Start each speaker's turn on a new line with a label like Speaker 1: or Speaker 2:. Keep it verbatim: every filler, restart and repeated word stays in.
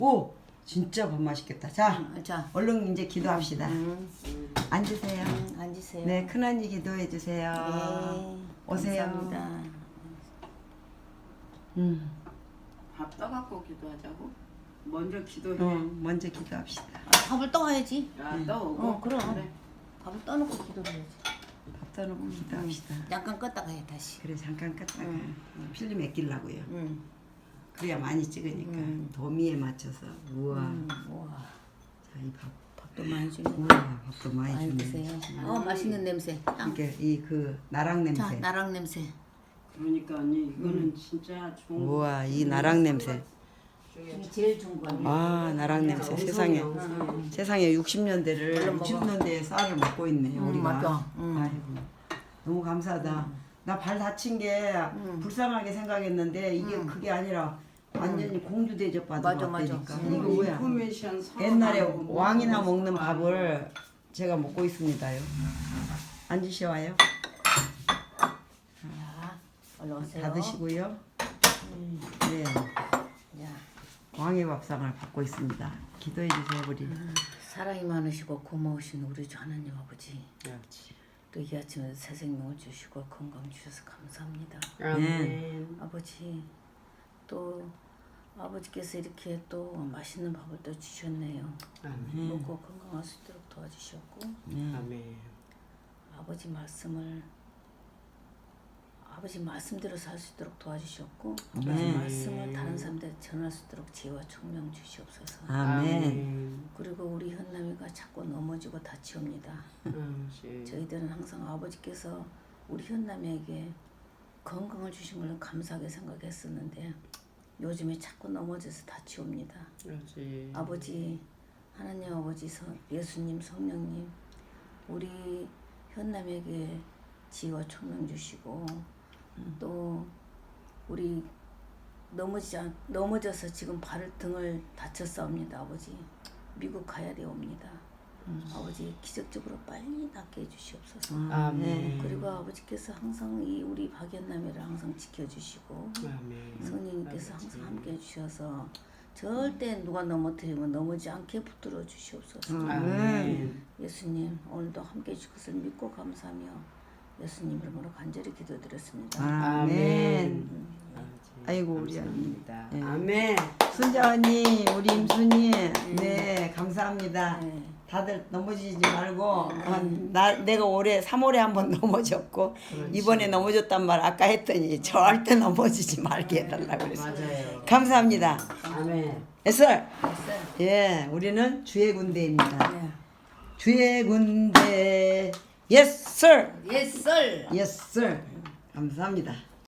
Speaker 1: 오, 진짜 밥 맛있겠다. 자,
Speaker 2: 음, 자.
Speaker 1: 얼른 이제 기도합시다.
Speaker 2: 음,
Speaker 1: 앉으세요.
Speaker 2: 음, 앉으세요.
Speaker 1: 네, 큰언니 기도해 주세요.
Speaker 2: 네,
Speaker 1: 오세요.
Speaker 2: 감사합니다.
Speaker 1: 음,
Speaker 3: 밥 떠갖고 기도하자고? 먼저 기도해.
Speaker 1: 어, 먼저 기도합시다.
Speaker 2: 아, 밥을 떠와야지.
Speaker 3: 야, 떠오고.
Speaker 2: 어, 그럼.
Speaker 3: 그래.
Speaker 2: 밥을 떠놓고 기도를 해야지.
Speaker 1: 밥 떠놓고 기도합시다.
Speaker 2: 잠깐 껐다가 해 다시.
Speaker 1: 그래, 잠깐 껐다가
Speaker 2: 음.
Speaker 1: 필름 애끼려고요.
Speaker 2: 응.
Speaker 1: 그래야 많이 찍으니까
Speaker 2: 음.
Speaker 1: 도미에 맞춰서. 우와.
Speaker 2: 음, 우와.
Speaker 1: 자, 이 밥.
Speaker 2: 밥도 많이 주네.
Speaker 1: 우와, 밥도 많이
Speaker 2: 많이
Speaker 1: 주네.
Speaker 2: 드세요. 어, 맛있는 냄새. 향.
Speaker 1: 이게 이 그 나랑 냄새.
Speaker 2: 자, 나랑 냄새.
Speaker 3: 그러니까 언니 이거는 진짜 좋은
Speaker 1: 우와, 이 나랑 냄새.
Speaker 2: 이게 제일 좋은 거야.
Speaker 1: 아, 나랑 냄새. 세상에. 세상에 육십 년대를
Speaker 2: 얼른 먹어.
Speaker 1: 육십 년대에 쌀을 먹고 있네,
Speaker 2: 음,
Speaker 1: 우리가.
Speaker 2: 맞아. 음.
Speaker 1: 아이고. 너무 감사하다. 나 발 다친 게 불쌍하게 생각했는데 이게 그게 아니라 완전히 공주 대접 받은
Speaker 2: 맞아,
Speaker 1: 것
Speaker 2: 맞아.
Speaker 1: 같다니까.
Speaker 2: 음.
Speaker 1: 이거 뭐야?
Speaker 3: 인포메이션
Speaker 1: 옛날에
Speaker 3: 서운하고
Speaker 1: 왕이나
Speaker 3: 뭐
Speaker 1: 먹는
Speaker 3: 그거
Speaker 1: 밥을 제가 먹고 있습니다요. 앉으셔와요.
Speaker 2: 자, 얼른 오세요.
Speaker 1: 다 드시고요. 네,
Speaker 2: 자,
Speaker 1: 왕의 밥상을 받고 있습니다. 기도해 주세요, 우리.
Speaker 2: 사랑이 많으시고 고마우신 우리 주 하나님 아버지.
Speaker 3: 그렇지.
Speaker 2: 또 이 아침에 새 생명을 주시고 건강 주셔서 감사합니다.
Speaker 3: 아멘.
Speaker 2: 아버지, 또 아버지께서 이렇게 또 맛있는 밥을 또 주셨네요.
Speaker 3: 아멘.
Speaker 2: 먹고 건강할 수 있도록 도와주셨고
Speaker 3: 아멘.
Speaker 2: 아버지 말씀을 아버지 말씀대로 살 수 있도록 도와주셨고 아버지
Speaker 1: 네.
Speaker 2: 말씀을 다른 사람들에 전할 수 있도록 지혜와 총명 주시옵소서.
Speaker 1: 아멘.
Speaker 2: 그리고 우리 현남이가 자꾸 넘어지고 다치옵니다.
Speaker 3: 아멘.
Speaker 2: 저희들은 항상 아버지께서 우리 현남이에게 건강을 주신 걸 감사하게 생각했었는데 요즘에 자꾸 넘어져서 다치옵니다.
Speaker 3: 그렇지.
Speaker 2: 아버지, 하나님 아버지, 성, 예수님, 성령님, 우리 현남에게 지혜와 총명 주시고 또 우리 넘어지지 않, 넘어져서 지금 발 등을 다쳤사옵니다. 아버지, 미국 가야 되옵니다. 아버지 기적적으로 빨리 낫게 해주시옵소서.
Speaker 3: 아멘.
Speaker 2: 그리고 아버지께서 항상 이 우리 박연남이를 항상 지켜주시고
Speaker 3: 아멘.
Speaker 2: 성령님께서 항상 함께 해주셔서 절대 누가 넘어뜨리면 넘어지 않게 붙들어 주시옵소서.
Speaker 3: 아멘.
Speaker 2: 예수님 오늘도 함께 해주실 것을 믿고 감사하며 예수님 이름으로 간절히 기도드렸습니다.
Speaker 1: 아멘. 아이고, 우리 언니.
Speaker 3: 감사합니다.
Speaker 1: 네.
Speaker 3: 아멘.
Speaker 1: 순자 언니, 우리 임순이, 네, 감사합니다.
Speaker 2: 네.
Speaker 1: 다들 넘어지지 말고, 어, 나 내가 올해 삼월에 한번 넘어졌고 이번에 넘어졌단 말 아까 했더니 절대 넘어지지 말게 해달라고 그랬어요.
Speaker 3: 맞아요.
Speaker 1: 감사합니다.
Speaker 3: 아멘.
Speaker 1: 에슬,
Speaker 2: 됐어요.
Speaker 1: 예, 우리는 주의 군대입니다.
Speaker 2: 네.
Speaker 1: 주의 군대, yes sir,
Speaker 2: Yes, sir.
Speaker 1: yes sir. 감사합니다.